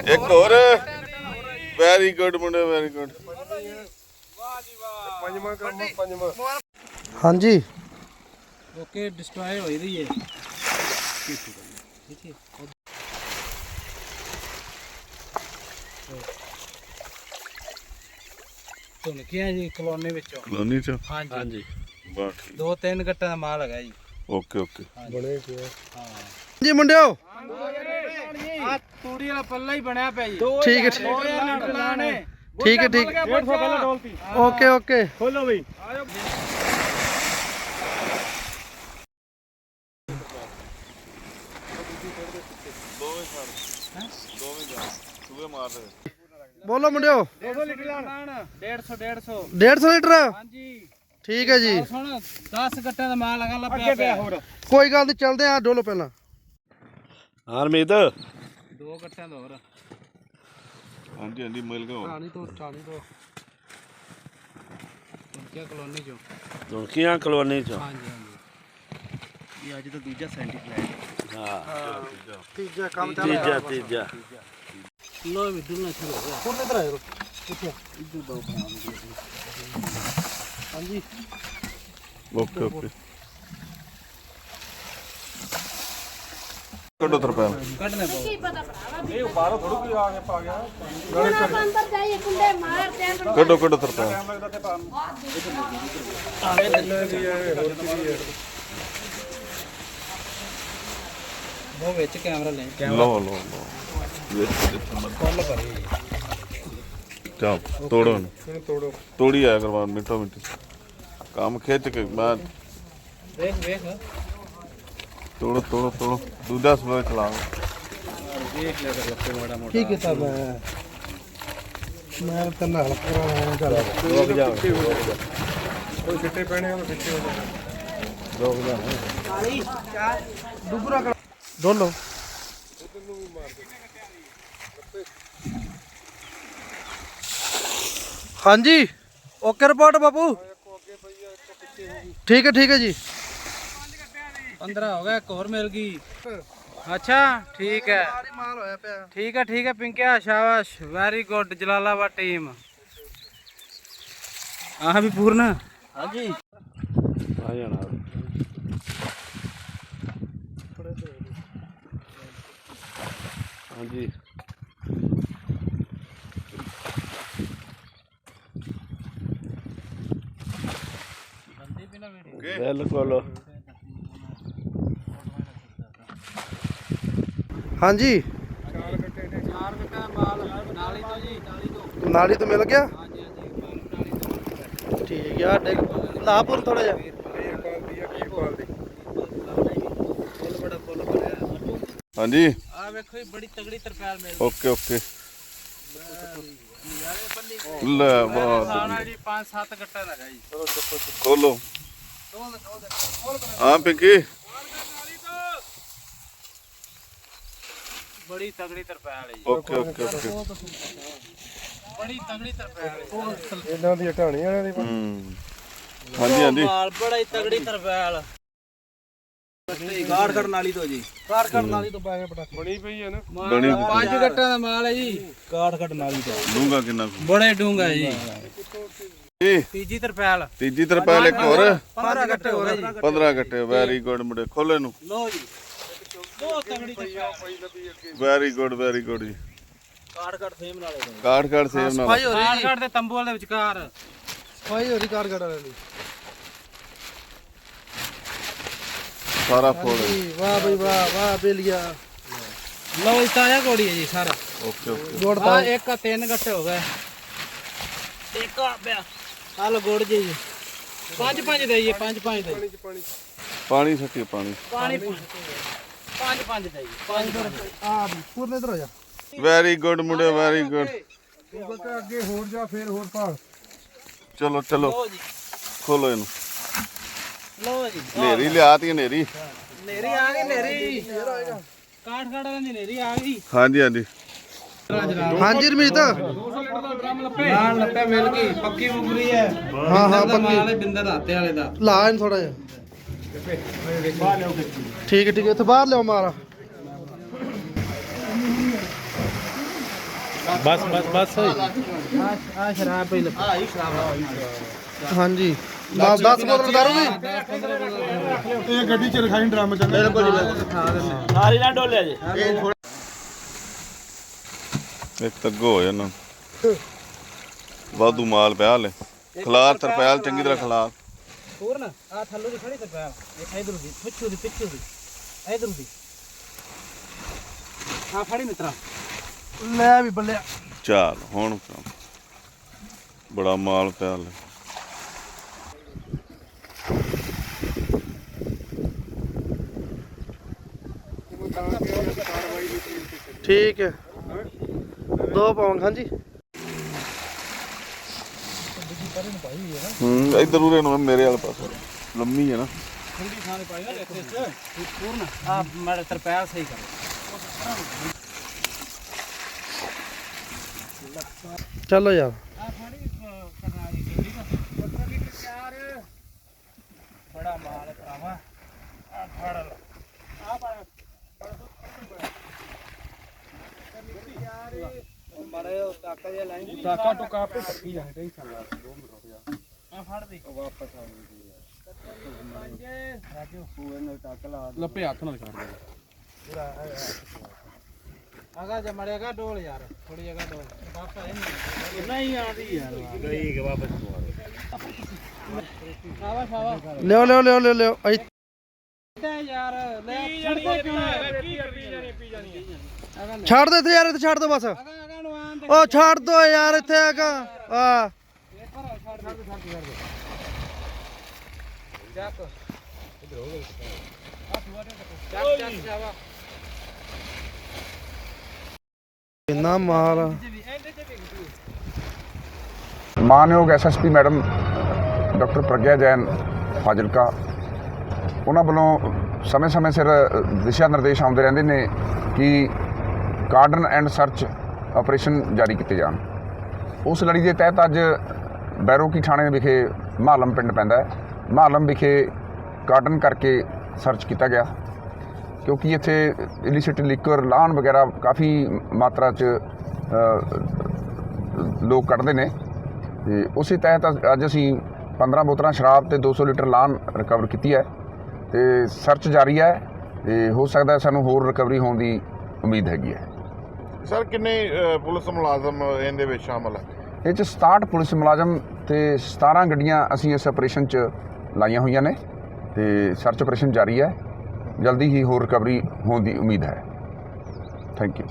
ਇੱਕ ਹੋਰ very good ਮੁੰਡੇ ਵੈਰੀ ਗੁੱਡ। ਪੰਜਵਾਂ ਕੰਮ ਪੰਜਵਾਂ। ਹਾਂਜੀ ਓਕੇ ਡਿਸਟਰੋਏ ਹੋਈ ਰਹੀ ਹੈ। ਤੁਹਾਨੂੰ ਕੀ ਹੈ ਜੀ ਕਲੋਨੀ ਵਿੱਚੋਂ? ਕਲੋਨੀ ਚ ਹਾਂਜੀ ਬਸ ਠੀਕ। 2-3 ਗੱਟਾਂ ਦਾ ਮਾਲ ਹੈਗਾ ਜੀ। ਓਕੇ ਓਕੇ ਬਣੇ ਪਿਆ। ਜੀ ਮੁੰਡਿਓ ਆ ਤੂੜੀ ਵਾਲਾ ਪੱਲਾ ਹੀ ਬਣਿਆ ਪਿਆ ਜੀ। ਠੀਕ ਹੈ ਠੀਕ ਹੈ ਠੀਕ 150 ਪਹਿਲਾਂ ਡੋਲਤੀ। ਓਕੇ ਓਕੇ ਖੋਲੋ ਬਈ। ਸੂਏ ਮਾਰ ਦੇ। ਬੋਲੋ ਮੁੰਡਿਓ 200 ਲੀਟਰ ਲਾਣ 150 150 ਲੀਟਰ ਹਾਂਜੀ ਠੀਕ ਹੈ ਜੀ। ਸੁਣ 10 ਗੱਟਾਂ ਦਾ ਮਾਲ ਲਗਾ ਲੱਭਿਆ ਪਿਆ ਹੋਰ। ਕੋਈ ਗੱਲ ਨਹੀਂ ਚੱਲਦੇ ਆ ਡੋਲੋ ਪਹਿਲਾਂ। ਹਰਮੀਤ 2 ਗੱਟਾਂ ਦਾ ਹੋਰ। ਹਾਂਜੀ ਹਾਂਜੀ ਮਿਲ ਗਿਆ। ਚਾਲੀ ਤੋਂ ਕੀ ਕਲੋਨੀ ਚੋਂ? ਦੁਨਕੀਆਂ ਕਲੋਨੀ ਚੋਂ। ਹਾਂਜੀ ਇਹ ਅੱਜ ਤਾਂ ਦੂਜਾ ਸੈਂਟੀਫਲਾਈਟ। ਹਾਂ ਤੀਜਾ ਕੰਮ ਚੱਲ ਤੀਜਾ ਲੋ ਵੀ ਦੁਲਣਾ ਸ਼ੁਰੂ ਹੋ ਗਿਆ। ਕੋਨੇ ਇਧਰ ਆਇਓ ਕਿੱਥੇ ਇੱਧਰ ਦੋ ਬਣਾ ਹਾਂਜੀ ਓਕੇ ਓਕੇ ਕੱਢੋ ਤਰਪਾਲ। ਕੱਢਨੇ ਪਾਓ। ਇਹ ਬਾਹਰੋਂ ਥੋੜੀ ਕੋਈ ਆ ਕੇ ਪਾ ਗਿਆ। अंदर जाइए कुंडे मारते हैं ਕੱਢੋ ਕੱਢੋ ਤਰਪਾਲ। ਲੱਗਦਾ ਤੇ ਪਾ ਉਹ ਵਿੱਚ ਕੈਮਰਾ ਲੈ ਲਓ ਲਓ ਲਓ ਫੁੱਲ ਭਰੀ। ਚਾਹ ਤੋੜੋ ਇਹਨੂੰ। ਇਹਨੂੰ ਤੋੜੋ। ਤੋੜੀ ਆਇਆ ਕਰਵਾ ਮਿੰਟੋ ਮਿੰਟ ਕੰਮ ਖਿੱਚ ਕੇ ਮੈਂ ਵੇਖ ਤੋੜੋ ਤੋੜੋ ਤੋੜੋ ਦੂਜਾ ਸਲੋਏ ਚਲਾ। ਵੇਖ ਲਿਆ ਕਰ ਲੱਪੇ ਮਾੜਾ ਮੋਟਾ। ਠੀਕ ਹੈ ਤਾਂ ਮੈਂ ਤਾਂ ਨਾਲ ਪੂਰਾ ਚੱਲ ਰੁਕ ਜਾ। ਕੋਈ ਛਿੱਟੇ ਪੈਣੇ ਉਹ ਛਿੱਟੇ ਹੋ ਜਾਣ। ਡੋਲੋ ਹਾਂਜੀ ਓਕੇ ਰਿਪੋਰਟ ਬਾਪੂ ਠੀਕ ਹੈ ਜੀ 15 ਹੋ ਗਿਆ। ਇੱਕ ਹੋਰ ਮਿਲ ਗਈ। ਅੱਛਾ ਠੀਕ ਹੈ ਮਾਲ ਹੋਇਆ ਪਿਆ ਠੀਕ ਹੈ ਪਿੰਕਿਆ ਸ਼ਾਬਾਸ਼ ਵੈਰੀ ਗੁੱਡ ਜਲਾਲਾਬਾਦ ਟੀਮ। ਆਹ ਵੀ ਪੂਰਨ ਹਾਂਜੀ ਆ ਜਾਣਾ। ਹਾਂਜੀ ਬਿਲਕੁਲ। ਹਾਂਜੀ 4 ਗੱਟਾਂ ਮਾਲ ਨਾਲੀ ਤੋਂ ਜੀ ਨਾਲੀ ਤੋਂ ਮਿਲ ਗਿਆ ਹਾਂਜੀ ਨਾਲੀ ਤੋਂ। ਠੀਕ ਆ ਡਿੱਗ ਲਾਪੁਰ ਥੋੜਾ ਜਿਹਾ ਫੁੱਲ ਬੜਾ ਫੁੱਲ ਭਰਿਆ। ਹਾਂਜੀ ਆ ਵੇਖੋ ਜੀ ਬੜੀ ਤਗੜੀ ਤਰਪਾਲ ਮਿਲ ਓਕੇ ਓਕੇ ਲੈ ਬਹੁਤ ਸਾਨਾ ਜੀ 5-7 ਗੱਟਾਂ ਦਾ ਹੈਗਾ ਜੀ। ਖੋਲੋ ਹਾਂ ਪਿੰਕੀ ਬੜੀ ਤਗੜੀ ਤਰਪਾਲ ਹੈ ਜੀ। ਓਕੇ ਓਕੇ ਓਕੇ ਬੜੀ ਤਗੜੀ ਤਰਪਾਲ ਹੈ। ਇਹਨਾਂ ਦੀ ਹਟਾਣੀ ਵਾਲਿਆਂ ਦੀ। ਹਾਂਜੀ ਹਾਂਜੀ ਮਾਲ ਬੜਾ ਹੀ ਤਗੜੀ ਤਰਪਾਲ। ਗਾੜ ਨਾਲੀ ਤੋਂ ਜੀ। ਕਾਰ ਨਾਲੀ ਤੋਂ ਪੈ ਗਿਆ ਪਟਾਕੇ ਬਣੀ ਪਈ ਹੈ ਨਾ। ਬਣੀ 5 ਗੱਟਾਂ ਦਾ ਮਾਲ ਹੈ ਜੀ। ਗਾੜ ਨਾਲੀ ਤੋਂ ਡੂੰਗਾ ਕਿੰਨਾ ਕੁ? ਬੜੇ ਡੂੰਗਾ ਜੀ। ਜੀ ਤੀਜੀ ਤਰਪਾਲ ਤੀਜੀ ਤਰਪਾਲ ਇੱਕ ਹੋਰ 15 ਗੱਟੇ ਹੋ ਗਏ ਜੀ। 15 ਗੱਟੇ ਵੈਰੀ ਗੁੱਡ ਮੁੰਡੇ ਖੋਲੇ ਨੂੰ। ਲੋ ਜੀ ਬਹੁਤ ਤਗੜੀ ਤਰਪਾਲ। ਵੈਰੀ ਗੁੱਡ ਜੀ। ਕਾੜ ਸੇਮ ਨਾਲੇ ਤੋਂ। ਕਾਠ ਸੇਵ ਨਾਲ ਸਫਾਈ ਹੋ ਰਹੀ ਕਾੜ ਦੇ ਤੰਬੂ ਵਾਲੇ ਵਿਚਕਾਰ। ਸਫਾਈ ਹੋ ਰਹੀ ਕਾਰ ਵਾਲੇ ਦੀ ਸਾਰਾ ਫੋੜ ਵਾਹ ਬਈ ਵਾਹ ਬੇਲੀਆ ਲੋ ਜੀ ਤਾਜ਼ਾ ਕੋੜੀ ਹੈ ਜੀ ਸਾਰਾ। ਓਕੇ ਓਕੇ ਜੋੜਦਾ ਆ ਇੱਕ 3 ਗੱਟੇ ਹੋ ਗਏ। ਇੱਕ ਆ ਪਿਆ ਆ ਲੋ ਗੁੜ ਜੀ 5-5 ਦੇਈਏ 5-5 ਦੇ ਪਾਣੀ ਸੱਟੀ ਪਾਣੀ ਪਾਣੀ 5-5 ਦੇਈਏ ਆ ਪੂਰਨੇ ਇਧਰ ਆ ਜਾ ਵੈਰੀ ਗੁੱਡ ਮੁੰਡੇ ਵੈਰੀ ਗੁੱਡ। ਅੱਗੇ ਹੋਰ ਜਾ ਫੇਰ ਹੋਰ ਭਾਲ। ਚਲੋ ਚਲੋ ਲੋ ਜੀ ਖੋਲੋ ਇਹਨੂੰ। ਲੋ ਜੀ ਨੇਰੀ ਲਿਆਤੀ ਨੇਰੀ। ਨੇਰੀ ਆ ਗਈ ਨੇਰੀ। ਕਾਠ ਵਾਲੀ ਦੀ ਨੇਰੀ ਆ ਗਈ। ਹਾਂਜੀ ਹਾਂਜੀ ਹਾਂਜੀ ਰਮੀਤ ਨਾਲ ਲੱਪੇ ਮਿਲ ਗਈ ਪੱਕੀ ਮੁਗਰੀ ਹੈ। ਹਾਂ ਬਿੰਦਰ ਦਾ ਮਾਲ ਹੈ ਬਿੰਦਰ ਰਾਤੇ ਵਾਲੇ ਦਾ। ਲਾ ਇਹਨੂੰ ਥੋੜਾ ਜਿਹਾ ਠੀਕ ਹੈ ਇੱਥੇ ਬਾਹਰ ਲਿਓ ਮਾਰਾ ਬਸ ਬਸ ਬਸ ਆ ਸ਼ਰਾਬ ਪਈ ਲੱਗੀ ਆ ਸ਼ਰਾਬ ਹਾਂਜੀ 10 ਬੋਤਲ ਦਾਰੂ ਵੀ ਇਹ ਗੱਡੀ 'ਚ ਰਖਾਈ ਡਰਮ ਚੰਗਾ ਸਾਰੀ ਨਾ ਡੋਲਿਆ ਜੀ ਇੱਕ ਤੱਗੋ ਹੋ ਜਾਣਾ ਵਾਧੂ ਮਾਲ ਪਿਆ ਲੈ ਖਲਾਰ ਤਰਪੈਲ ਚੰਗੀ ਤਰ੍ਹਾਂ ਖਲਾਰ ਹੋਰ ਨਾ ਆ ਥੱਲੋਂ ਦੀ ਖੜੀ ਤਰਪਾਲ ਇਹ ਇਧਰ ਦੀ ਪਿੱਛੋਂ ਦੀ ਇਧਰ ਦੀ ਆ ਫੜੀ ਮਿੱਤਰਾ ਲੈ ਵੀ ਬੱਲਿਆ ਚੱਲ ਹੁਣ ਕੰਮ ਬੜਾ ਮਾਲ ਪਿਆ ਲੈ ਠੀਕ ਹੈ 2 ਪਾਉਂਗ ਹਾਂਜੀ ਇੱਧਰ ਉਰੇ ਨੂੰ ਮੇਰੇ ਵਾਲੇ ਪਾਸੇ ਲੰਮੀ ਹੈ ਨਾ ਠੰਡੀ ਥਾਂ ਤੇ ਪਾਈ ਨਾ ਇੱਥੇ ਹੋਰ ਨਾ ਆ ਮਾੜਾ ਤਰਪਾਲ ਸਹੀ ਕਰ ਚਲੋ ਯਾਰ ਆ ਫੜੀ ਕਰਨਾ ਜੀ ਠੀਕ ਆ ਲੀਟਰ ਚਾਰ ਬੜਾ ਮਾਲ ਹੈ ਭਰਾਵਾ ਆ ਫੜ ਲਾ ਆ ਪਾ ਮਾਰੇ ਟਾਕਾ ਜਿਹਾ ਲਾਈਨ ਟਾਕਾ ਟੁਕਾ ਆਪੇ ਪੱਕੀ ਜਾ ਟੈਨਸ਼ਨ ਲਾ 2 ਮਿੰਟ ਰੁਕ ਜਾ ਆ ਫੜ ਦੇ ਵਾਪਸ ਆ ਗਈ ਰਾਜੂ ਤੂੰ ਇਹਨੂੰ ਟੱਕ ਲਾ ਲੱਪੇ ਹੱਥ ਨਾਲ ਛੱਡ ਦੇ ਆਗਾ ਜੇ ਮੜੇਗਾ ਡੋਲ ਯਾਰ ਥੋੜੀ ਜਗ੍ਹਾ ਡੋਲ ਵਾਪਸ ਨਹੀਂ ਆਉਂਦੀ ਯਾਰ ਗਈ ਕਿ ਵਾਪਸ ਨੂੰ ਸ਼ਾਬਾਸ਼ ਲਿਓ ਤੇ ਯਾਰ ਲੈ ਛੱਡਦਾ ਕਿਉਂ ਹੈ ਛੱਡ ਦੇ ਇੱਥੇ ਯਾਰ ਇੱਥੇ ਛੱਡ ਦੋ ਬਸ ਆਗਾ ਨੂੰ ਆਂ ਉਹ ਛੱਡ ਦੋ ਯਾਰ ਇੱਥੇ ਹੈਗਾ ਆ ਚੱਕ ਇਧਰ ਹੋ ਗਿਆ ਆ ਸੁਆ ਦੇ ਚੱਕ ਜਾਵਾ ਇੰਨਾ ਮਾਲ ਆ। ਮਾਨਯੋਗ SSP madam doctor Pragya Jain Fazilka ਉਹਨਾਂ ਵੱਲੋਂ ਸਮੇਂ-ਸਮੇਂ ਸਿਰ ਦਿਸ਼ਾ ਨਿਰਦੇਸ਼ ਆਉਂਦੇ ਰਹਿੰਦੇ ਨੇ ਕਿ ਕਾਰਡਨ ਐਂਡ ਸਰਚ ਆਪਰੇਸ਼ਨ ਜਾਰੀ ਕੀਤੇ ਜਾਣ। ਉਸ ਲੜੀ ਦੇ ਤਹਿਤ ਅੱਜ ਬੈਰੋਕੀ ਥਾਣੇ ਵਿਖੇ ਮਹਾਲਮ ਪਿੰਡ ਪੈਂਦਾ ਹੈ। ਮਹਾਲਮ ਵਿਖੇ ਕਾਰਡਨ ਕਰਕੇ ਸਰਚ ਕੀਤਾ ਗਿਆ ਕਿਉਂਕਿ ਇੱਥੇ ਇਲਿਸਿਟ ਲਿਕਰ ਲਾਹਣ ਵਗੈਰਾ ਕਾਫੀ ਮਾਤਰਾ 'ਚ ਲੋਕ ਕੱਢਦੇ ਨੇ ਤੇ ਉਸੇ ਤਹਿਤ ਅੱਜ ਅਸੀਂ 15 ਬੋਤਲਾਂ ਸ਼ਰਾਬ ਤੇ 200 ਲੀਟਰ ਲਾਹਣ ਰਿਕਵਰ ਕੀਤੀ ਹੈ ਤੇ ਸਰਚ ਜਾਰੀ ਹੈ ਤੇ ਹੋ ਸਕਦਾ ਸਾਨੂੰ ਹੋਰ ਰਿਕਵਰੀ ਹੋਣ ਦੀ ਉਮੀਦ ਹੈਗੀ ਹੈ। ਸਰ ਕਿੰਨੇ ਪੁਲਿਸ ਮੁਲਾਜ਼ਮ ਇਹਦੇ ਵਿੱਚ ਸ਼ਾਮਲ ਹੈ? ਇਹ 'ਚ 67 ਪੁਲਿਸ ਮੁਲਾਜ਼ਮ ਤੇ 17 ਗੱਡੀਆਂ ਅਸੀਂ ਇਸ ਆਪਰੇਸ਼ਨ 'ਚ ਲਾਈਆਂ ਹੋਈਆਂ ਨੇ ਤੇ ਸਰਚ ਆਪਰੇਸ਼ਨ ਜਾਰੀ ਹੈ। ਜਲਦੀ ਹੀ ਹੋਰ ਰਿਕਵਰੀ ਹੋਣ ਦੀ ਉਮੀਦ ਹੈ। Thank you.